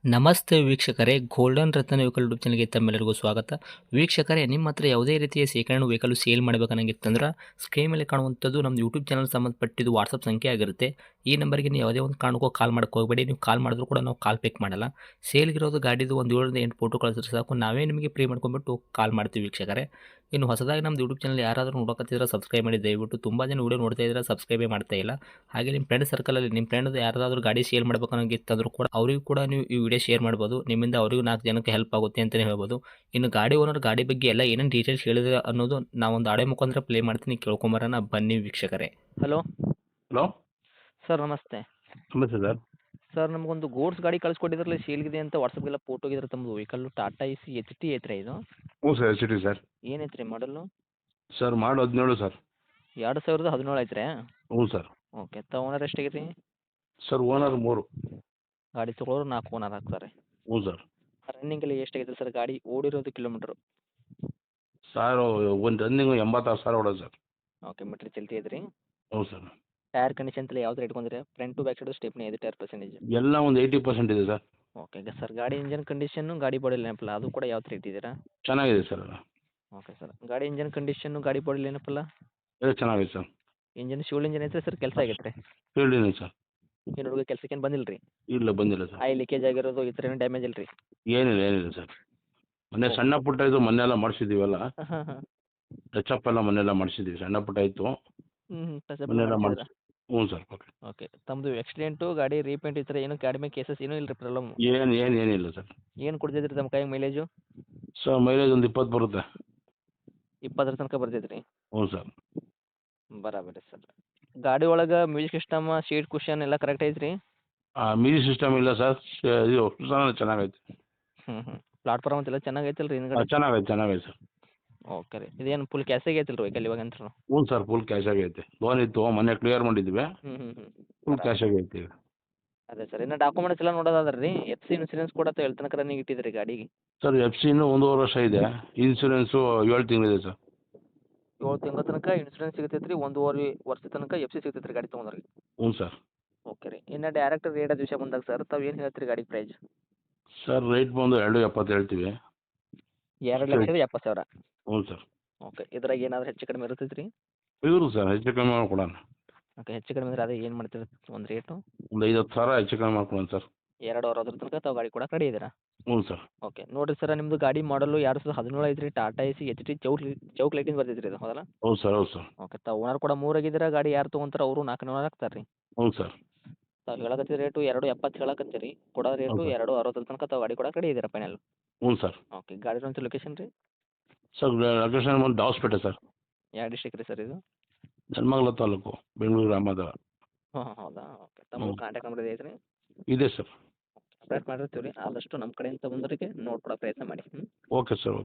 ನಮಸ್ತೆ ವೀಕ್ಷಕರೇ, ಗೋಲ್ಡನ್ ರತ್ನ vehicle YouTube ಚಾನಲ್ಗೆ ತಮ್ಮೆಲ್ಲರಿಗೂ ಸ್ವಾಗತ. ವೀಕ್ಷಕರೇ, ನಿಮ್ಮ ಹತ್ರ ಯಾವುದೇ ರೀತಿಯ ಶೇಖರಣೆ ವೆಹಿಕಲ್ ಸೇಲ್ ಮಾಡಬೇಕನ್ನಂಗಿತ್ತಂದ್ರೆ ಸ್ಕ್ರೀನ್ ಮೇಲೆ ಕಾಣುವಂಥದ್ದು ನಮ್ಮ ಯೂಟ್ಯೂಬ್ ಚಾನಲ್ ಸಂಬಂಧಪಟ್ಟಿದ್ದು ವಾಟ್ಸಪ್ ಸಂಖ್ಯೆ ಆಗಿರುತ್ತೆ. ಈ ನಂಬರ್ಗೆ ನೀವು ಯಾವುದೇ ಒಂದು ಕಾರಣಕ್ಕೂ ಕಾಲ್ ಮಾಡೋಕ್ಕೆ ಹೋಗಬೇಡಿ. ನೀವು ಕಾಲ್ ಮಾಡಿದ್ರು ಕೂಡ ನಾವು ಕಾಲ್ ಪಿಕ್ ಮಾಡಲ್ಲ. ಸೇಲ್ಗಿರೋದು ಗಾಡಿದು ಒಂದು 7ರಿಂದ 8 ಫೋಟೋ ಕಳಿಸಿದ್ರೆ ಸಾಕು, ನಾವೇ ನಿಮಗೆ ಪ್ರೀ ಮಾಡ್ಕೊಂಡ್ಬಿಟ್ಟು ಕಾಲ್ ಮಾಡ್ತೀವಿ ವೀಕ್ಷಕರೇ. ಇನ್ನು ಹೊಸದಾಗಿ ನಮ್ಮದು ಯೂಟ್ಯೂಬ್ ಚಾನಲ್ ಯಾರಾದರೂ ನೋಡೋಕತ್ತಿದ್ರೆ ಸಬ್ಸ್ಕ್ರೈಬ್ ಮಾಡಿ ದಯವಿಟ್ಟು. ತುಂಬ ಜನ ವೀಡಿಯೋ ನೋಡ್ತಾ ಇದ್ದಾರೆ, ಸಬ್ಸ್ಕ್ರೈಬೇ ಮಾಡ್ತಾ ಇಲ್ಲ. ಹಾಗೆ ನಿಮ್ಮ ಫ್ರೆಂಡ್ ಸರ್ಕಲಲ್ಲಿ ನಿಮ್ಮ ಫ್ರೆಂಡ್ ಯಾರಾದರೂ ಗಾಡಿ ಸೇಲ್ ಮಾಡಬೇಕನ್ನೋಂಗಿತ್ತಂದ್ರೂ ಕೂಡ ಅವರಿಗೂ ಕೂಡ ನೀವು ಈ ವಿಡಿಯೋ ಶೇರ್ ಮಾಡ್ಬೋದು. ನಿಮ್ಮಿಂದ ಅವರಿಗೂ 4 ಜನಕ್ಕೆ ಹೆಲ್ಪ್ ಆಗುತ್ತೆ ಅಂತಲೇ ಹೇಳ್ಬೋದು. ಇನ್ನು ಗಾಡಿ ಓನರ್ ಗಾಡಿ ಬಗ್ಗೆ ಎಲ್ಲ ಏನೇನು ಡೀಟೇಲ್ಸ್ ಹೇಳಿದ್ರೆ ಅನ್ನೋದು ನಾವೊಂದು ಆಡಿಯೋ ಮುಖಾಂತರ ಪ್ಲೇ ಮಾಡ್ತೀನಿ, ಕೇಳ್ಕೊಂಬರೋಣ ಬನ್ನಿ ವೀಕ್ಷಕರೇ. Hello hello. ಸರ್, ನಮಸ್ತೆ. ನಮಸ್ತೆ ಸರ್. ಸರ್, ನಮಗೊಂದು ಗೂಡ್ಸ್ ಗಾಡಿ ಕಳಿಸ್ಕೊಟ್ಟಿದ್ರಲ್ಲ, ಸೇಲ್ಗಿದೆ ಅಂತ ವಾಟ್ಸಪ್ಗೆಲ್ಲ ಫೋಟೋ ಇದ್ರೆ ತಮ್ಮದು vehicle Tata Ace H T ಐತ್ರಿ ಇದು? ಹ್ಞೂ ಸರ್, ಎಚ್ ಟಿ ಸರ್. ಏನೈತ್ರಿ ಮಾಡಲು? ಸರ್ ಮಾಡು 17 ಸರ್. 2017 ಐತ್ರಿ? ಹ್ಞೂ ಸರ್. ಓಕೆ. ಓನರ್ ಎಷ್ಟಾಗೈತಿ? Sir owner 3. ಗಾಡಿ ತೊಗೊಳೋರು 4 ಓನರ್ ಆಗ್ತಾರೆ. ಹ್ಞೂ ಸರ್. ರನ್ನಿಂಗ್ ಎಲ್ಲ ಎಷ್ಟಾಗೈತೆ ಸರ್ ಗಾಡಿ ಓಡಿರೋದು ಕಿಲೋಮೀಟ್ರು? ಸರ್ ಒಂದು ರನ್ನಿಂಗು 86,000 ಹೊಡೋದು ಸರ್. ಓಕೆ, ಮೀಟ್ರ್ ಚಲ್ತಿ ಐತ್ರಿ? ಹ್ಞೂ ಸರ್. ಟೈರ್ ಕಂಡೀಷನ್ ಎಲ್ಲ ಯಾವ್ದು ಇಟ್ಕೊಂಡ್ರಿ? Front to back side stepney ಐದು ಟೈರ್ ಪರ್ಸೆಂಟೇಜ್? ಎಲ್ಲ ಒಂದು 80% ಇದೆ ಸರ್. ಓಕೆ ಸರ್, ಗಾಡಿ ಇಂಜನ್ ಕಂಡೀಷನ್ನು ಗಾಡಿ ಬಾಡಿ ಏನಪ್ಪಲ್ಲ ಅದು ಕೂಡ ಯಾವ ಥರ ಇಟ್ಟಿದ್ದೀರಾ? ಚೆನ್ನಾಗಿದೆ ಸರ್ ಅದು. ಓಕೆ ಸರ್, ಗಾಡಿ ಇಂಜನ್ ಕಂಡೀಷನ್ನು ಗಾಡಿ ಬಾಡಿ ಏನಪ್ಪಲ್ಲ? ಎಲ್ಲ ಚೆನ್ನಾಗಿದೆ ಸರ್. ಇಂಜನ್ ಶಿವಲ್ ಇಂಜನ್ ಐತ್ರಿ ಸರ್? ಕೆಲಸ ಆಗೈತೆ ರೀ? ಫೀಲ್ಡ್ ಇದೆ ಸರ್. ಏನು ಹುಡುಗ ಕೆಲಸಕ್ಕೆ ಏನು ಬಂದಿಲ್ಲ ರೀ? ಇಲ್ಲ ಬಂದಿಲ್ಲ ಸರ್. ಆಯಿಲ್ ಲೀಕೇಜ್ ಆಗಿರೋದು ಈ ಥರ ಏನು ಡ್ಯಾಮೇಜ್ ಇಲ್ಲ ರೀ? ಏನಿಲ್ಲ ಸರ್. ಮೊನ್ನೆ ಸಣ್ಣ ಪುಟ್ಟ ಇದು ಮೊನ್ನೆಲ್ಲ ಮಾಡಿಸಿದ್ದೀವಲ್ಲ, ಹಾಂ ಹಾಂ. ಟಚಪ್ ಎಲ್ಲ ಮೊನ್ನೆಲ್ಲ ಮಾಡಿಸಿದ್ದೀವಿ. ಸಣ್ಣ ಪುಟ್ಟ ಇತ್ತು ಟಚಪ್ ಮೊನ್ನೆಲ್ಲ ಮಾಡಿಸಿದ್ರಾ? ಮಾಡಿಸಿ. ಹ್ಞೂ ಸರ್. ಓಕೆ. ಓಕೆ, ತಮ್ಮದು ಆಕ್ಸಿಡೆಂಟು ಗಾಡಿ ರೀಪೇಂಟ್ ಈ ಥರ ಏನು ಗಾಡಿ ಮೇಲೆ ಕೇಸಸ್ ಏನೂ ಇಲ್ಲ ರೀ ಪ್ರಾಬ್ಲಮ್? ಏನಿಲ್ಲ ಸರ್. ಏನು ಕೊಡ್ತೈತ್ರಿ ತಮ್ಮ ಕೈಗೆ ಮೈಲೇಜು? ಸರ್ ಮೈಲೇಜ್ ಒಂದು 20 ಬರುತ್ತೆ. 20 ತನಕ ಬರ್ತೈತೆ ರೀ? ಹ್ಞೂ ಸರ್. ಬರಾಬರಿ ಸರ್. ಗಾಡಿ ಒಳಗೆ ಮ್ಯೂಸಿಕ್ ಸಿಸ್ಟಮ್, ಸೀಟ್ ಕುಷನ್ ಎಲ್ಲ ಕರೆಕ್ಟ್ ಐತ್ರಿ? ಮ್ಯೂಸಿಕ್ ಸಿಸ್ಟಮ್ ಇಲ್ಲ ಸರ್. ಇದು ಚೆನ್ನಾಗೈತೆ. ಪ್ಲಾಟ್ಫಾರ್ಮ್ ಅಂತೆಲ್ಲ ಚೆನ್ನಾಗೈತಲ್ಲ ರೀ ಹಿಂದ್ಗಡೆ? ಚೆನ್ನಾಗೈತೆ ಸರ್. ಓಕೆ ರೀ. ಇದೇನು ಫುಲ್ ಕ್ಯಾಶಾಗಿ ಐತಲ್ಲ ರೀ ವೆಹಿಕಲ್ ಇವಾಗ ಅಂತೂ? ಹ್ಞೂ ಸರ್, ಫುಲ್ ಕ್ಯಾಶ್ ಆಗೈತೆ. ಲೋನ್ ಇತ್ತು, ಮೊನ್ನೆ ಕ್ಲಿಯರ್ ಮಾಡಿದ್ವಿ. ಫುಲ್ ಕ್ಯಾಶ್ ಆಗೈತೆ ಈಗ. ಅದೇ ಸರ್, ಇನ್ನು ಡಾಕ್ಯುಮೆಂಟ್ಸ್ ಎಲ್ಲ ನೋಡೋದಾದ್ರೆ ರೀ, ಎಫ್ ಸಿ ಇನ್ಸೂರೆನ್ಸ್ ಕೂಡ ಎಲ್ಲಿ ತನಕ ರನ್ನಿಂಗ್ ಇಟ್ಟಿದ್ದೀರಿ ಗಾಡಿಗೆ? ಸರ್ ಎಫ್ ಸಿ ಇನ್ನೂ 1.5 ವರ್ಷ ಇದೆ. Insurance 7 ತಿಂಗಳಿದೆ sir. 7 ತಿಂಗಳ ತನಕ ಇನ್ಸೂರೆನ್ಸ್ ಸಿಗ್ತೈತೆ ರೀ, 1.5 ವರ್ಷ ತನಕ ಎಫ್ ಸಿ ಸಿಗ್ತೈತೆ ರೀ ಗಾಡಿ ತೊಗೊಂಡ್ರಿಗೆ? ಹ್ಞೂ ಸರ್. ಓಕೆ ರೀ. ಇನ್ನು ಡೈರೆಕ್ಟ್ ರೇಟ್ ಅದು ವಿಷಯ ಬಂದಾಗ ಸರ್, ತಾವು ಏನು ಹೇಳ್ತೀರಿ ಗಾಡಿ ಪ್ರೈಸ್? ಸರ್ ರೇಟ್ ಬಂದು 2.70 ಹೇಳ್ತೀವಿ. 2,70,000? ಹ್ಞೂ ಸರ್. ಓಕೆ, ಇದ್ರಾಗ ಏನಾದರೂ ಹೆಚ್ಚು ಕಡಿಮೆ ಇರ್ತೈತೆ ರೀ? ಇವರು ಸರ್ ಹೆಚ್ಚು ಕಮ್ಮಿ ಮಾಡ್ಕೊಡೋಣ. ಓಕೆ, ಹೆಚ್ಚು ಕಡಿಮೆ ಅಂದರೆ ಅದೇ ಏನು ಮಾಡ್ತೀರಿ ಒಂದು ರೇಟು? ಒಂದು 50,000 ಹೆಚ್ಚು ಕಮ್ಮಿ ಮಾಡ್ಕೊಡೋಣ ಸರ್. 2,60,000 ತನಕ ತಾವು ಗಾಡಿ ಕೊಡಕ್ಕೆ ರೆಡಿ ಇದ್ದೀರಾ? ಹ್ಞೂ ಸರ್. ಓಕೆ, ನೋಡಿರಿ ಸರ್, ನಿಮ್ಮದು ಗಾಡಿ ಮಾಡಲು 2017 ಐತ್ರಿ, ಟಾಟಾ ಎಸಿ ಎಚ್ ಟಿ ಚೌಕ್ ಲೈಟಿಂಗ್ ಬರ್ತೈತೆ ರೀ ಇದು, ಹೌದಲ್ಲ? ಹೌದು ಸರ್. ಹೌದು ಸರ್. ಓಕೆ, ತಾವು ಓನರ್ ಕೂಡ 3 ಆಗಿದ್ದೀರಾ. ಗಾಡಿ ಯಾರು ತೊಗೊಂತಾರೆ ಅವರು 4 ಓನರ್ ಆಗ್ತಾರೆ ರೀ? ಹ್ಞೂ ಸರ್. ತಾವು ಹೇಳಕತ್ತಿದ ರೇಟು 2,70 ಹೇಳಕತ್ತೀರಿ, ಕೊಡೋ ರೇಟು ಹೌದು ಸರ್. 2,60 ತನಕ ತಾವು ಗಾಡಿ ಕೊಡಕ್ಕೆ ರೆಡಿ ಇದ್ದೀರಾ ಫೈನಲ್? ಹ್ಞೂ ಸರ್. ಓಕೆ, ಗಾಡಿ ಇರುವಂಥ ಲೊಕೇಶನ್ ರೀ? ಸರ್ ಲೊಕೇಶನ್ ಬಂದು ದಾವಸ್ಪೇಟೆ ಸರ್. ಯಾವ ಡಿಸ್ಟ್ರಿಕ್ಟ್ ರೀ ಸರ್ ಇದು? ನೆಲಮಂಗಲ ತಾಲೂಕು, ಬೆಂಗಳೂರು ಗ್ರಾಮಾಂತರ. ಹೌದಾ? ಓಕೆ, ಹ್ಞೂ. ತಮ್ಮ ಕಾಂಟ್ಯಾಕ್ಟ್ ನಂಬರ್ ಐತ್ರಿ? ಇದೆ ಸರ್. ಅಪ್ಡೇಟ್ ಮಾಡಿರ್ತೀವಿ ರೀ, ಆದಷ್ಟು ನಮ್ಮ ಕಡೆಯಿಂದ ಬಂದವರಿಗೆ ನೋಡ್ಕೊಡೋ ಪ್ರಯತ್ನ ಮಾಡಿ. Okay sir.